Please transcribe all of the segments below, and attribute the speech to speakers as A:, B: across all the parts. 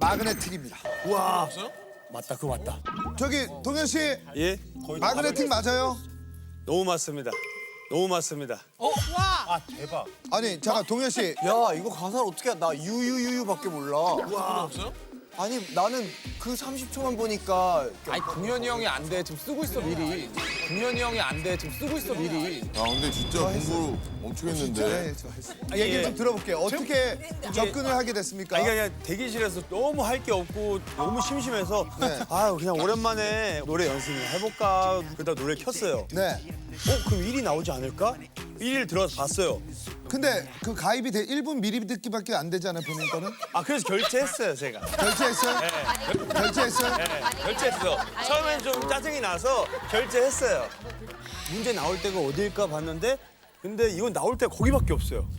A: 마그네틱입니다.
B: 우와. 맞다, 그거 맞다.
A: 저기 동현 씨
C: 예?
A: 마그네틱 맞아요?
C: 너무 맞습니다. 너무 맞습니다.
B: 아, 대박.
A: 아니 잠깐 동현 씨
D: 야 이거 가사를 어떻게 나 유유유유밖에 몰라.
B: 없어요?
D: 아니 나는 그 30초만 보니까
E: 아니 동현이 형이 안 돼. 지금 쓰고 있어 미리. 동현이 형이 안 돼. 지금 쓰고 있어 미리.
F: 아 근데 진짜 공부 엄청 했는데.
A: 네, 저 했어요. 얘기 좀 들어볼게요. 어떻게 접근을 하게 됐습니까?
C: 아니 그냥 대기실에서 너무 할 게 없고 너무 심심해서
A: 네.
C: 아 그냥 오랜만에 노래 연습을 해볼까 그러다 노래 켰어요.
A: 네.
C: 그럼 1위 나오지 않을까? 1위를 들어서 봤어요.
A: 근데 그 가입이 1분 미리 듣기밖에 안 되잖아요, 본인 거는?
C: 아 그래서 결제했어요 제가.
A: 결제했어요? 결제했어요?
C: 네, 결제했어. 처음엔 좀 짜증이 나서 결제했어요. 문제 나올 때가 어딜까 봤는데 근데 이건 나올 때가 거기밖에 없어요.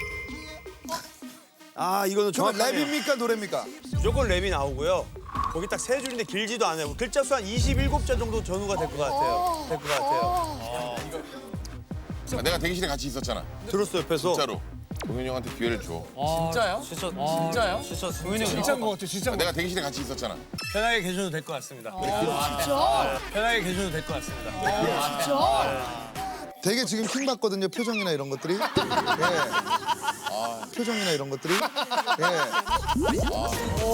C: 아 이거는
A: 저건
C: 정확하네요.
A: 랩입니까, 노래입니까?
C: 무조건 랩이 나오고요. 거기 딱 세 줄인데 길지도 않아요. 글자 수 한 27자 정도 전후가 될 것 같아요. 될 것 같아요.
F: 아, 내가 대기실에 같이 있었잖아.
C: 들었어 옆에서.
F: 진짜로. 동현이 형한테 기회를 줘.
E: 진짜요? 진짜요?
C: 진짜
B: 진짜인 것 같아, 진짜.
F: 내가 대기실에 같이 있었잖아.
C: 편하게 계셔도 될 것 같습니다. 진짜? 편하게 계셔도 될 것 같습니다.
A: 되게 지금 킹 받거든요, 표정이나 이런 것들이. 예. 표정이나 이런 것들이. 예.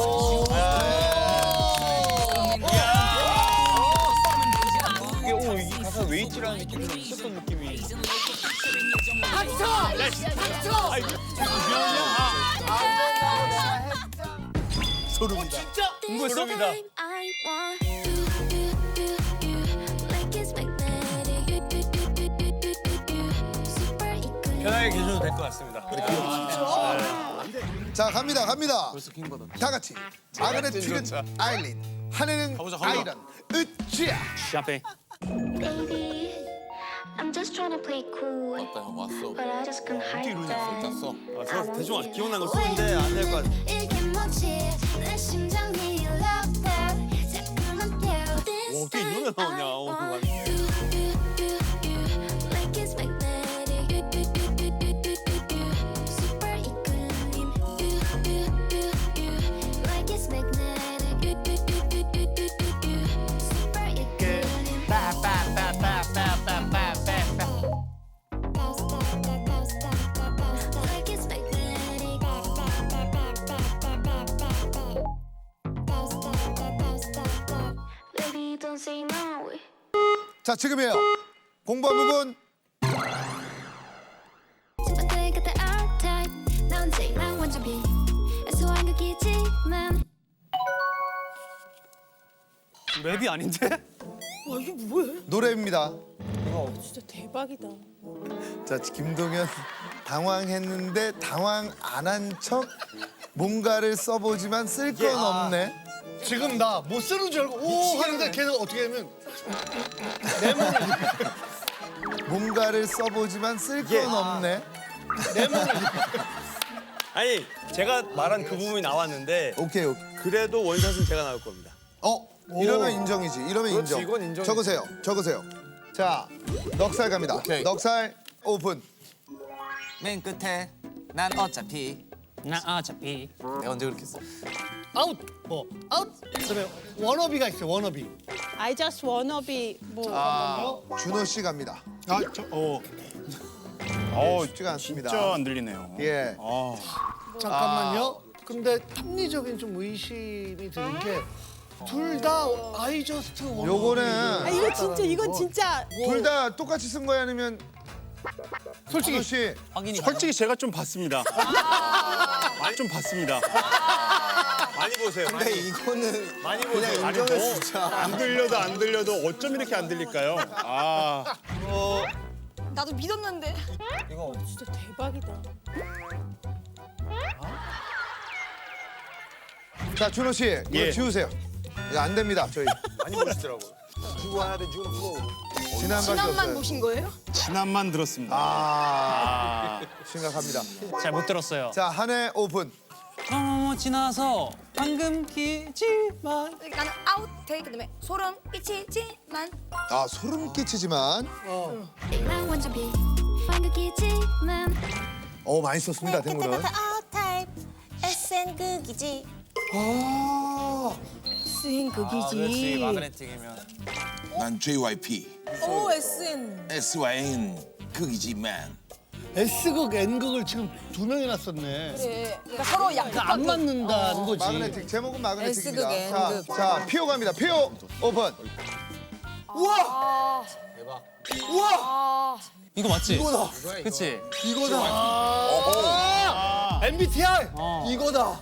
C: 이게 이 가사 웨이트라는 느낌이 좀 있었던 느낌이.
A: 소름이다.
C: 소름이다.
G: I want you, like it's magnetic. Super equal.
C: 편하게 계셔도 될 것 같습니다.
A: 자, 갑니다. 다 같이. 마그네틱은 아일린, 한해는 아이런, 으쌰.
C: 샤페.
G: Baby, I'm just trying to play cool,
F: 왔다 형 왔어.
G: but I just can't hide that.
F: 짰어.
C: 저 대충 기억난 걸 쓰는데 안 될 것 같아.
G: 이게 뭐지? 내 심장이 love that. 자꾸만 깨워.
C: 어떻게 이 노래 나오냐, 오늘.
G: Like it's magnetic. Super equilibrium. Like it's magnetic. Super equilibrium. Like it's magnetic. Baby, don't say no.
A: 자, 지금이에요. 공부한 부분.
G: 어때 그때 R-Type 넌 제일랑 완전 B 애소한 극이지만
C: 랩이 아닌데?
A: 노래입니다.
H: 진짜 대박이다.
A: 자, 김동현 당황했는데 당황 안 한 척 뭔가를 써보지만 쓸 건 없네.
B: 지금 나 못 쓰는 줄 알고 오 하는데 걔는 어떻게 하면
A: 뭔가를 써보지만 쓸 건 없네.
C: 아니 제가 말한 그 부분이 나왔는데
A: 오케이.
C: 그래도 원샷은 제가 나올 겁니다.
A: 이러면 인정이지. 이러면
E: 그렇지,
A: 인정.
E: 이건 인정이지.
A: 적으세요. 자, 넉살 갑니다.
E: 오케이.
A: 넉살 오픈.
D: 맨 끝에 난 어차피
E: 내가 언제 그렇게 했어?
B: 아웃 아웃 그다음에 워너비가 있어요 워너비.
H: I just wanna be 뭐
A: 준호 씨 갑니다. 쉽지가 않습니다.
I: 진짜 안 들리네요.
A: 예.
B: 잠깐만요. 근데 합리적인 좀 의심이 드는 게 둘 다 I just wanna.
A: 요거는
H: 이건 진짜
A: 둘 다 똑같이 쓴 거야 아니면
B: 솔직히
A: 준호 씨
I: 솔직히 제가 좀 봤습니다. 좀 봤습니다.
C: 많이 보세요.
D: 근데 이거는
C: 많이
D: 그냥
C: 보세요.
D: 인정해 진짜.
I: 안 들려도 어쩜 이렇게 안 들릴까요?
J: 나도 믿었는데.
H: 진짜 대박이다.
A: 자, 준호 씨 이거
I: 예.
A: 지우세요. 이거 안 됩니다. 저희
C: 많이 보시더라고요.
A: 지난번에
J: 지난만
A: 없어요.
J: 보신 거예요?
I: 지난만 들었습니다.
A: 심각합니다.
E: 잘 못 들었어요.
A: 자, 한해 오픈.
E: 지나서 방금 끼지만
J: 나는 아웃 테이크 그다음에 소름 끼치지만
A: 아, 소름 끼치지만
G: 제일랑 완전 B 한 극이지만
A: 많이 썼습니다. 탱구는.
J: 아웃 타입 SN 극이지.
A: 아,
J: S인 극이지.
D: 그렇지 마그네틱이면.
F: 난 JYP,
H: 오 SN.
F: SYN 극이지만.
B: S극, N극을 지금 두 명이나 썼네.
J: 그래. 그러니까 서로 양.
B: 그러니까 안 맞는다는 거지.
A: 마그네틱 제목은 마그네틱입니다.
J: S극,
A: 자,
J: N극.
A: 자 피오 갑니다. 피오 오픈.
D: 이거 맞지? 이거다. 그치?
B: MBTI.
D: 이거다.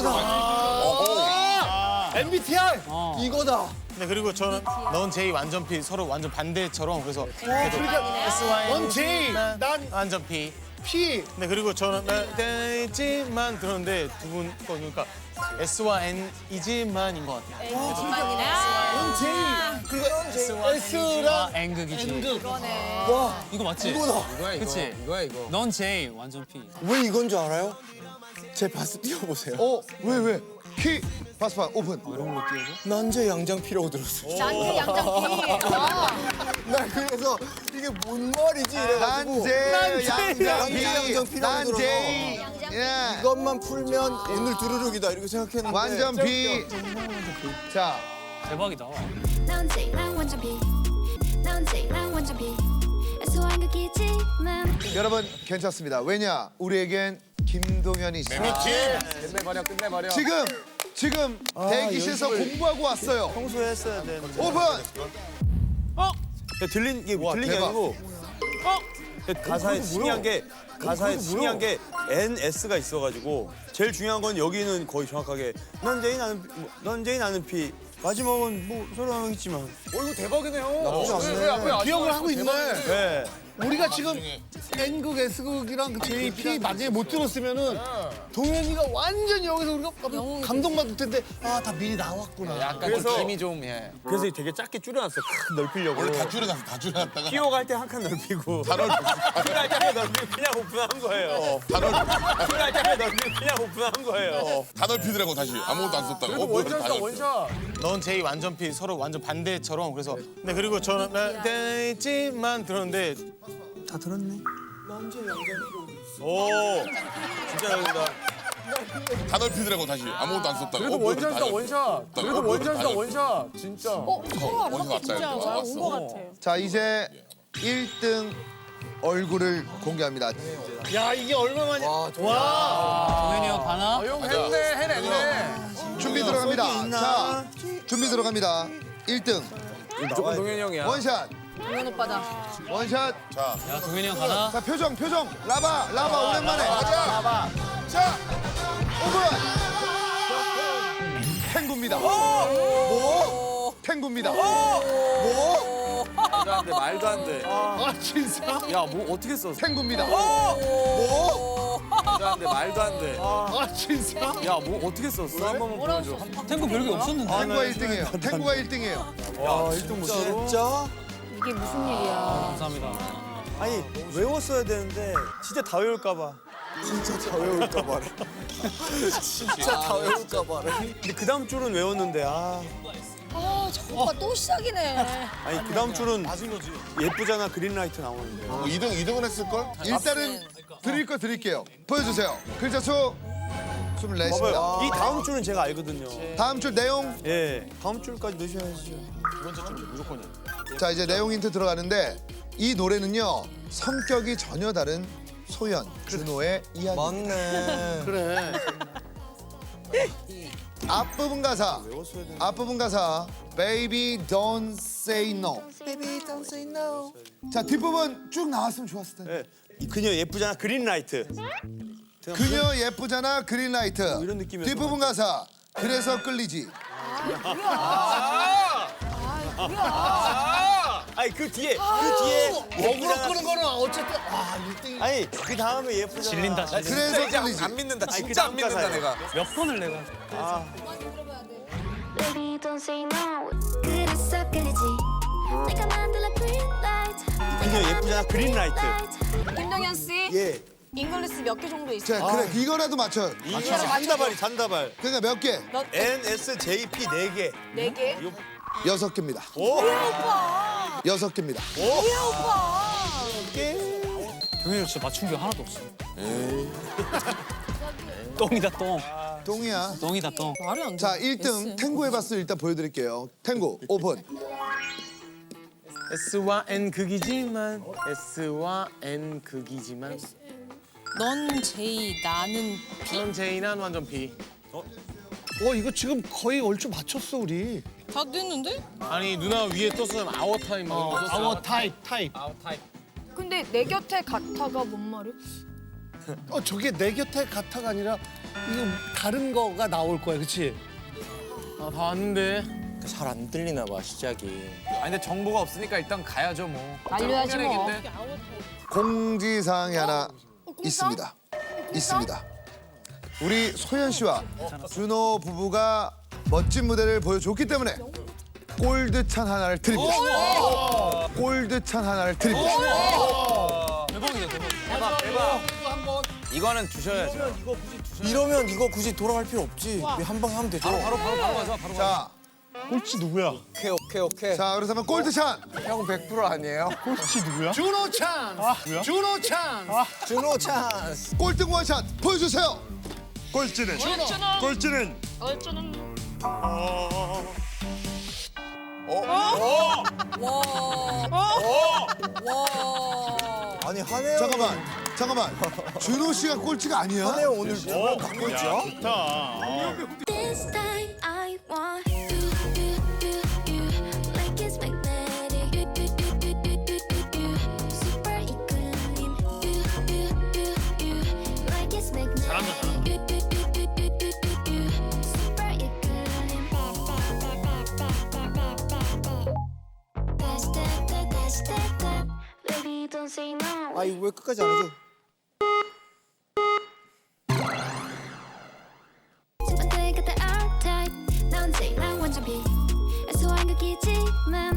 B: MBTI.
D: 이거다.
I: 네, 그리고 저는 넌 J 완전 P 서로 완전 반대처럼 그래서
B: 그러니까
I: SY
B: 넌 J, 난
I: 완전 P.
B: P.
I: 네, 그리고 저는 되지만 들었는데 두 분 거 그러니까 S와 N이지만인 것 같아요.
B: 넌 J. 그리고 S랑
D: N극이지.
B: N극.
D: 이거 맞지? 이거야. 그치? 이거야. 넌 J 완전 P.
E: 왜 이건 줄 알아요? 제 바스 띄워보세요.
A: 왜? 키 파스파 오픈.
E: 난제 양장 P라고 들었어요.
J: 난지 양장피.
E: 나 그래서 이게 뭔 말이지 이래가지고
A: 난제
E: 양장
A: 양장
E: P라고
A: 난제. 예.
E: 이것만 풀면 오늘 두루룩이다 이렇게 생각했는데
A: 완전 B. 자,
D: 대박이다.
G: 넌 J 난 완전 B 넌 J 난 완전 B 소한 극이지만
A: 여러분 괜찮습니다. 왜냐? 우리에겐 김동현이 있습니다.
E: 끝내버려.
A: 지금 대기실에서 공부하고 왔어요.
C: 평소에 했어야 되는데.
A: 오픈.
C: 야, 들린 게
A: 와,
C: 들린 게
A: 대박.
C: 아니고. 가사에 신기한 게 NS가 있어가지고 제일 중요한 건 여기는 거의 정확하게 넌 J 나는 P. 마지막은 뭐 서로 하겠지만.
E: 이거 대박이네요.
B: 기억을 하고 있네.
C: 네.
B: 우리가 지금 N극, S극이랑 그 JP 만약에 못 들었으면은 동현이가 완전 여기서 우리가 감동받을 텐데 아 다 미리 나왔구나.
D: 약간
C: 그래서-
D: 좀 김이 좀 예.
C: 그래서 되게 작게 줄여놨어. 넓히려고.
F: 원래 다 줄여놨다가
C: 피오가 할 때 한 칸 넓히고.
F: 다 넓혔어.
C: 피오 할때 한 칸 넓히고 그냥 오픈한 거예요.
F: 다 넓혔어.
C: 피오 할때 한 칸 넓히고 그냥 오픈한 거예요.
F: 다 넓히더라고 다시. 아무것도 안 썼다가. 원샷이다 원샷.
I: 넌 J 완전 P 서로 완전 반대처럼 그래서 네, 그리고 저는 되지만 들었는데
C: 다 들었네. 오, 진짜 잘한다.
F: 다 넓히더라고 다시. 아무것도 안 썼다가.
E: 그래도 원샷이다 원샷. 그래도 원샷이다 원샷. 진짜.
F: 원샷 왔다
H: 진짜
F: 이거.
H: 잘 온 것
F: 왔어.
H: 같아요.
A: 자, 이제 1등 얼굴을 공개합니다.
B: 야 이게 얼마만이야?
D: 동현이 형 가나?
E: 형 해냈네.
A: 준비 들어갑니다. 자, 준비 들어갑니다. 1등
E: 무조건 동현이 형이야.
A: 원샷.
J: 동현 오빠다.
A: 원샷.
F: 자,
D: 야 동현이 형 가나?
A: 자, 표정. 라바 오랜만에.
F: 가자. 자,
A: 오픈. 탱구입니다. 탱구입니다.
C: 말도 안 돼.
B: 아 진짜?
C: 야, 뭐 어떻게 썼어?
A: 탱구입니다.
C: 말도 안 돼. 말도 안 돼.
B: 아 진짜?
C: 야, 뭐 어떻게 썼어? 한 번만 보여줘.
D: 탱고 별게 없었는데.
A: 탱구가 1등이에요. 탱구가 1등이에요.
C: 와, 1등 못 진짜?
J: 이게 무슨 일이야?
D: 감사합니다.
C: 아니, 외웠어야 되는데 진짜 다 외울까 봐.
E: 진짜 다 외울까 봐라.
C: 근데 그 다음 줄은 외웠는데
J: 아, 저 오빠 또 시작이네.
C: 아니 그 다음 줄은 예쁘잖아 그린라이트 나오는데.
F: 2등은 했을걸?
A: 일단은 드릴 거 드릴게요. 보여주세요. 글자 수 24입니다.
C: 봐봐요. 이 다음 줄은 제가 알거든요.
A: 다음 줄 내용.
C: 예, 다음 줄까지 넣으셔야죠.
A: 자, 이제 내용 힌트 들어가는데 이 노래는요. 성격이 전혀 다른 소연, 준호의 이야기.
E: 맞네.
B: 그래.
A: 앞부분 가사. Baby don't say no.
E: Baby don't say no.
A: 자, 뒷부분 쭉 나왔으면 좋았을 텐데.
C: 예, 이 그녀 예쁘잖아 그린라이트.
A: 그녀 예쁘잖아 그린라이트.
C: 이런 느낌이었던
A: 뒷부분 가사. 그래서 끌리지.
C: 아니 그 뒤에
B: 억울로
C: 예쁘잖아.
B: 끄는 거는 어쨌든 아 1등이.
C: 아니 그 다음에 예쁘잖아.
D: 질린다.
A: 그래서 끌리지.
E: 안 믿는다.
C: 아니, 그
E: 진짜
C: 다음
E: 안 믿는다
C: 가사예요.
E: 내가.
D: 몇 번을 내가.
G: Baby don't say no 그래서 끌리지 내가 만들어 green light
C: 그녀 예쁘잖아 그린라이트.
J: 김동현 씨,
C: 예.
J: 잉글리시 몇 개 정도 있어요?
A: 자, 그래 이거라도 맞춰.
C: 이게 잔다발.
A: 그러니까 몇 개?
C: NSJP 4개.
J: 4개?
A: 6개입니다.
C: 오.
A: 6개입니다.
D: 동현이 형 진짜 맞춘 게 하나도 없어. 똥이다 똥.
A: 똥이야.
D: 똥이다 똥.
J: 말이 안 돼.
A: 자, 1등 탱고 해봤을 일단 보여드릴게요. 탱고 오픈.
I: S와 N 극이지만 S와 N 극이지만
H: 넌 J, 나는
I: 넌 J 난 완전 B.
B: 이거 지금 거의 얼추 맞췄어 우리.
H: 다 됐는데?
I: 아니 누나 위에 떴으면 아워 타임 막 이런 거 썼어.
B: 아워 타입.
J: 근데 내 곁에 같아가 뭔 말이야?
B: 저게 내 곁에 같아가 아니라 이거 다른 거가 나올 거야, 그렇지?
I: 아, 다 왔는데.
E: 잘 안 들리나 봐 시작이. 아니 근데 정보가 없으니까 일단 가야죠 뭐.
J: 알려야지 뭐.
A: 공지사항이 하나 있습니다. 있습니다. 우리 소연 씨와 준호 부부가 멋진 무대를 보여줬기 때문에 골드찬 하나를 드립니다. 골드찬 하나를 드립니다.
E: 대박. 이거는 주셔야죠.
C: 이러면 이거 굳이 돌아갈 필요 없지. 한 방에 하면 되죠.
E: 바로 가자.
A: 자,
B: 꼴찌 누구야?
E: 오케이.
A: 자, 그렇다면 골드찬.
E: 형 100% 아니에요?
B: 꼴찌 누구야? 준호 찬스. 준호 찬스.
C: 준호 찬스.
A: 꼴등 원샷 보여주세요.
F: 꼴찌는
C: 아니 한혜영.
A: 잠깐만. 준호 씨가 꼴찌가 아니야?
C: 한혜영 오늘 두번 갖고 있죠?
G: This time I want you like it's magnetic. Super equilibrium. Like it's magnetic. Super equilibrium. Dash that. Baby, don't say no.
C: 아 이거 왜 끝까지 안 해줘?
G: 내가 다 R-type. 넌 J, 난 완전 B. 애소한 극이지만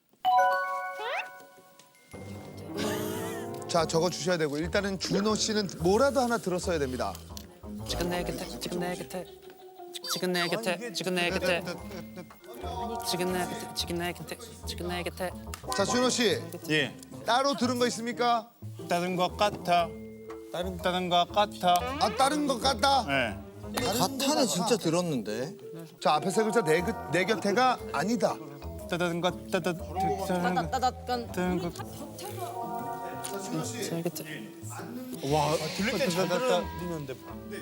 A: 자, 적어 주셔야 되고 일단은 준호 씨는 뭐라도 하나 들었어야 됩니다.
D: 지금 내 곁에 지금 내 곁에 지금 내 곁에 지금 내 곁에 지금 내 곁에 지금 내 곁에 지금 내 곁에.
A: 자, 준호 씨
I: 예.
A: 따로 들은 거 있습니까?
I: 다른 것 같아. 다른 것 같아.
A: 아, 다른 것 같다.
I: 예.
C: 가타는 진짜 들었는데.
A: 자, 앞에 세 글자 내 곁에가 아니다.
I: 다른 것
J: 따따따따.
I: 다른 것.
D: 제 곁에.
I: 와 들릴 때잘 들리는데.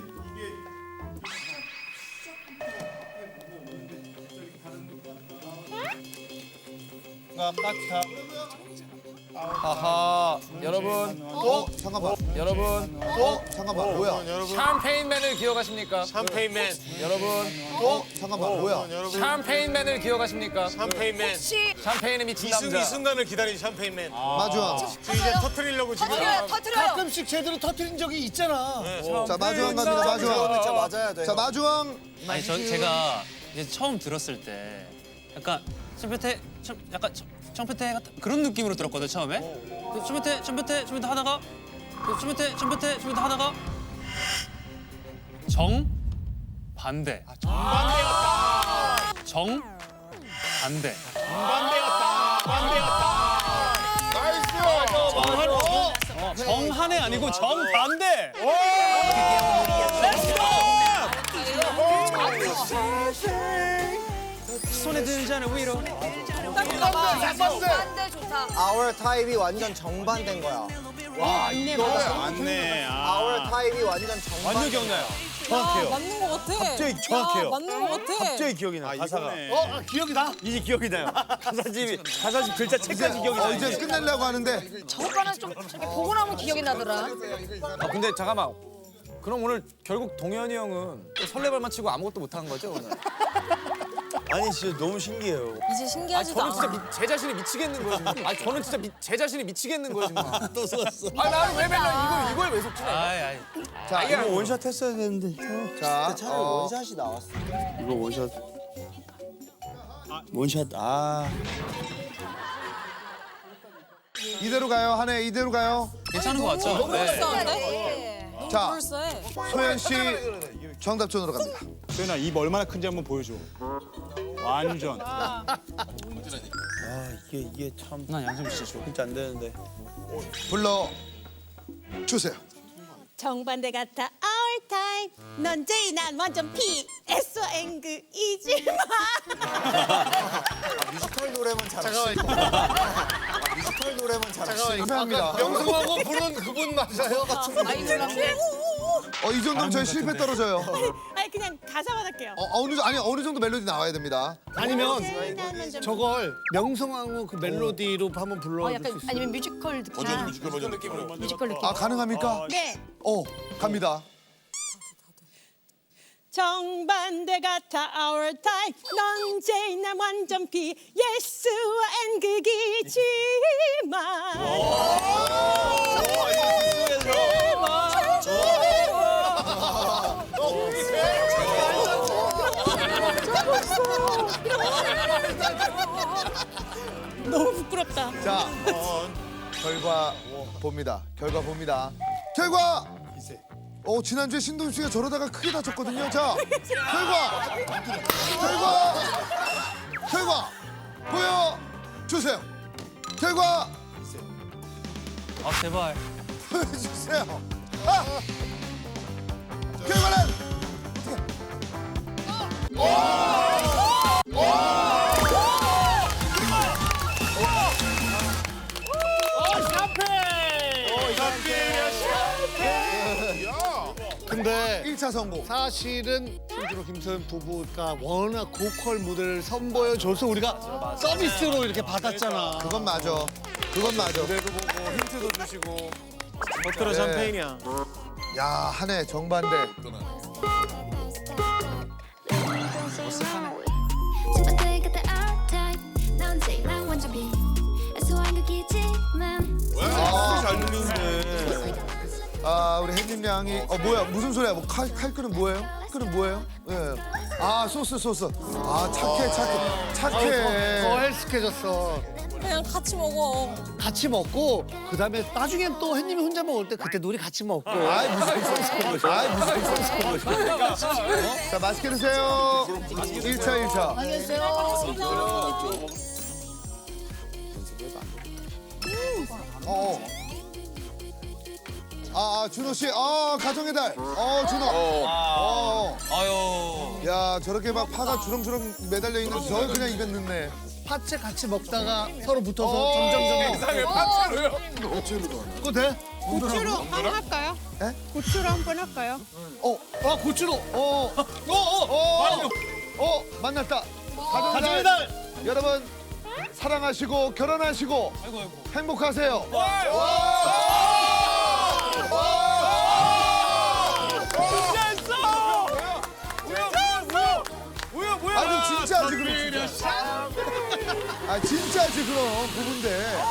I: 것 같아.
E: 하하. 여러분.
A: 잠깐만.
E: 여러분.
A: 잠깐만. 뭐야?
E: 샴페인맨을 기억하십니까?
I: 샴페인맨.
E: 여러분.
A: 잠깐만. 뭐야?
E: 샴페인맨을 기억하십니까?
I: 샴페인맨.
E: 샴페인에 미친 남자.
I: 이 순간을 기다린 샴페인맨.
A: 마주왕.
I: 이제 터트리려고 지금.
J: 터트려요.
B: 가끔씩 제대로 터트린 적이 있잖아.
A: 자, 마주왕 갑니다. 마주왕.
C: 진짜 맞아야 돼.
A: 자, 마주왕.
D: 아니 제가 이제 처음 들었을 때 약간 약간 청패태 같은 그런 느낌으로 들었거든 처음에. 청패태 하다가 청패태 하다가 정 반대. 정 반대. 정한해 아니고 정 반대. 손에 드는 잔을 위로.
J: 반대 좋다.
C: Our 타입이 완전 정반대인 거야.
I: 맞네.
C: Our 타입이 완전 정반대.
I: 완전 기억나요. 정확해요.
H: 맞는 거 같아.
I: 갑자기 정확해요.
H: 맞는 거 같아.
I: 갑자기 기억이 나. 가사가.
B: 기억이 나?
I: 이제 기억이 나요. 가사집 글자 책까지 기억이 나.
A: 이제 끝내려고 하는데
J: 저 오빠는 좀 이렇게 보고 나면 기억이 나더라.
E: 아 근데 잠깐만. 그럼 오늘 결국 동현이 형은 또 설레발만 치고 아무것도 못한 거죠 오늘?
C: 아니 진짜 너무 신기해요.
H: 이제 신기하지도
E: 저는 진짜
H: 않아.
E: 제 자신이 미치겠는 거예요 지금. 아니 저는 진짜 제 자신이 미치겠는 거예요 지금.
C: 또 속았어.
E: 아니 나는 왜 맨날 이걸 왜 속지?
D: 아이.
A: 자,
C: 이거 원샷 했어야 되는데.
A: 자,
C: 차라리 원샷이 나왔어. 이거 원샷. 원샷
A: 이대로 가요. 한해 이대로 가요.
D: 괜찮은 거 같죠? 네.
H: 불쌍한데? 너무
A: 자.
H: 불쌍해.
A: 소연 씨 정답전으로 갑니다.
I: 소연아 입 얼마나 큰지 한번 보여줘. 완전.
C: 이게 참
D: 난 양심 진짜 좋아.
C: 진짜 안 되는데.
A: 불러 주세요.
H: 정반대 같아 our
K: 타임 넌 제이 난 완전 P S와 N극이지만
B: 뮤지컬 노래만
A: 잠깐만요.
B: 뮤지컬 노래만
A: 감사합니다.
B: 명성하고 부른 그분 맞아요?
A: 이 정도면 저희 실패 떨어져요.
K: 아니 그냥 가사만 할게요.
A: 어느 정도 멜로디 나와야 됩니다.
B: 아니면
K: 제이 난 완전
B: 저걸 명성하고 그 멜로디로 한번 불러줄 수
J: 약간
B: 있어요?
J: 아니면 뮤지컬 느낌.
F: 버전 뮤지컬 버전 느낌으로.
J: 뮤지컬 느낌.
A: 가능합니까?
K: 네.
A: 갑니다.
K: 정반대 같아 our time 넌 제이 난 완전 P 예스와 N극이지만 너무 부끄럽다.
A: 자, 결과 봅니다. 결과! 지난주에 신동엽 씨가 저러다가 크게 다쳤거든요. 자, 결과 보여주세요. 결과
D: 아 제발.
A: 보여주세요. 결과는
B: 근데
A: 1차 성공.
B: 사실은 신주로 김소연 부부가 워낙 고퀄 무대를 선보여줘서 우리가 서비스로 이렇게 받았잖아.
A: 그건 맞아.
I: 무대도 보고 힌트도 주시고. 버터로 샴페인이야.
A: 야, 한 해 정반대.
G: 첫 번째 그때 our time 넌 제일 난 완전 B S와 N극이지만
C: 잘 들리는데.
A: 우리 햇님 양이 뭐야 무슨 소리야? 칼 끓은 뭐예요? 예. 소스. 착해.
B: 더 헬스케졌어.
H: 그냥 같이 먹어.
B: 같이 먹고 그다음에 나중엔 또 햇님이 혼자 먹을 때 그때 우리 같이 먹고.
A: 무슨 자, 맛있게 드세요. 1차. 준호 씨. 가정의 달. 준호.
D: 아유.
A: 야, 저렇게 막 파가 주렁주렁 매달려 있는 저 그냥 입에 넣네.
B: 파채 같이 먹다가 서로 붙어서 점점
F: 이상해 파채로요?
B: 그거 돼?
K: 고추로 한번 할까요?
A: 에?
K: 고추로 한번 할까요?
B: 고추로.
A: 만났다. 가정의 달. 여러분 사랑하시고 결혼하시고 행복하세요. 진짜지 그럼 진짜지 그럼 부부인데.